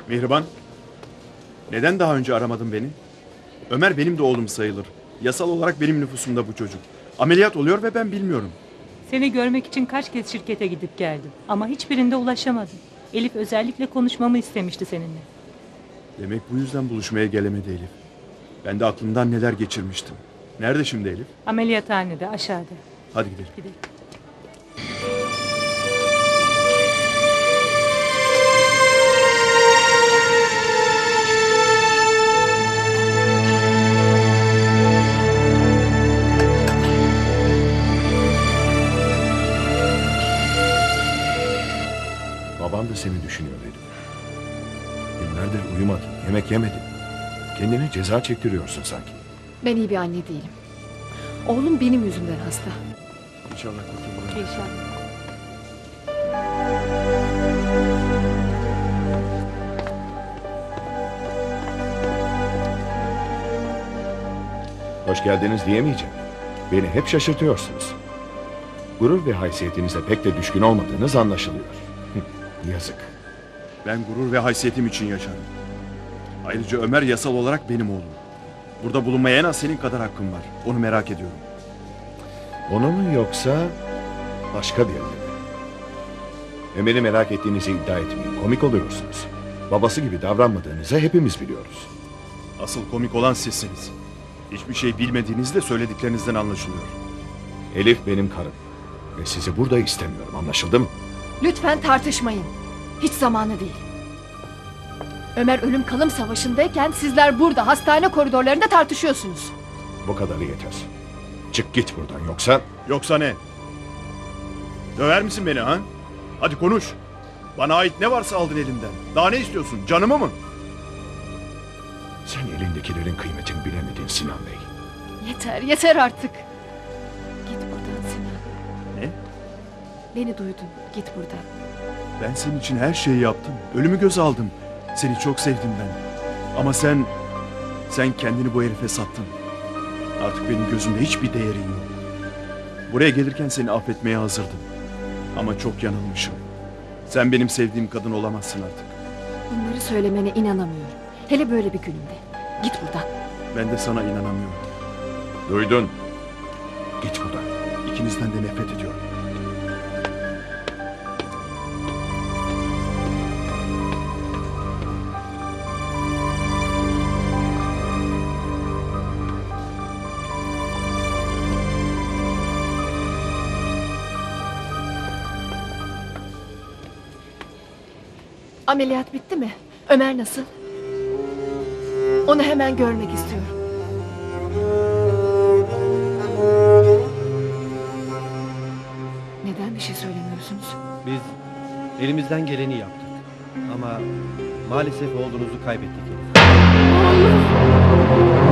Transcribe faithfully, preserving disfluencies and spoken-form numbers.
Mihriban, neden daha önce aramadın beni? Ömer benim de oğlum sayılır. Yasal olarak benim nüfusumda bu çocuk. Ameliyat oluyor ve ben bilmiyorum. Seni görmek için kaç kez şirkete gidip geldim. Ama hiçbirinde ulaşamadım. Elif özellikle konuşmamı istemişti seninle. Demek bu yüzden buluşmaya gelemedi Elif. Ben de aklımdan neler geçirmiştim. Nerede şimdi Elif? Ameliyathanede aşağıda. Hadi gidelim. Gidelim. Babam da seni düşünüyor Elif. Günlerdir uyumadın, yemek yemedin. Kendine ceza çektiriyorsun sanki. Ben iyi bir anne değilim. Oğlum benim yüzümden hasta. İnşallah kurtulur. İnşallah. Hoş geldiniz diyemeyeceğim. Beni hep şaşırtıyorsunuz. Gurur ve haysiyetinize pek de düşkün olmadığınız anlaşılıyor. Yazık. Ben gurur ve haysiyetim için yaşarım. Ayrıca Ömer yasal olarak benim oğlum. Burada bulunmaya en az senin kadar hakkım var. Onu merak ediyorum. Onun mu yoksa başka birinin mi? Ömer'i merak ettiğinizi iddia etmeyin. Komik oluyorsunuz. Babası gibi davranmadığınızı hepimiz biliyoruz. Asıl komik olan sizsiniz. Hiçbir şey bilmediğiniz de söylediklerinizden anlaşılıyor. Elif benim karım. Ve sizi burada istemiyorum. Anlaşıldı mı? Lütfen tartışmayın. Hiç zamanı değil. Ömer ölüm kalım savaşındayken sizler burada hastane koridorlarında tartışıyorsunuz. Bu kadarı yeter. Çık git buradan yoksa... Yoksa ne? Döver misin beni ha? Hadi konuş. Bana ait ne varsa aldın elimden. Daha ne istiyorsun? Canımı mı? Sen elindekilerin kıymetini bilemedin Sinan Bey. Yeter, yeter artık. Git buradan Sinan. Ne? Beni duydun. Git buradan. Ben senin için her şeyi yaptım. Ölümü göze aldım. Seni çok sevdim ben. Ama sen... Sen kendini bu herife sattın. Artık benim gözümde hiçbir değerin yok. Buraya gelirken seni affetmeye hazırdım. Ama çok yanılmışım. Sen benim sevdiğim kadın olamazsın artık. Bunları söylemene inanamıyorum. Hele böyle bir gününde. Git buradan. Ben de sana inanamıyorum. Duydun. Git buradan. İkinizden de nefret ediyorum. Ameliyat bitti mi? Ömer nasıl? Onu hemen görmek istiyorum. Neden bir şey söylemiyorsunuz? Biz elimizden geleni yaptık. Ama maalesef oğlunuzu kaybettik. Oğlum!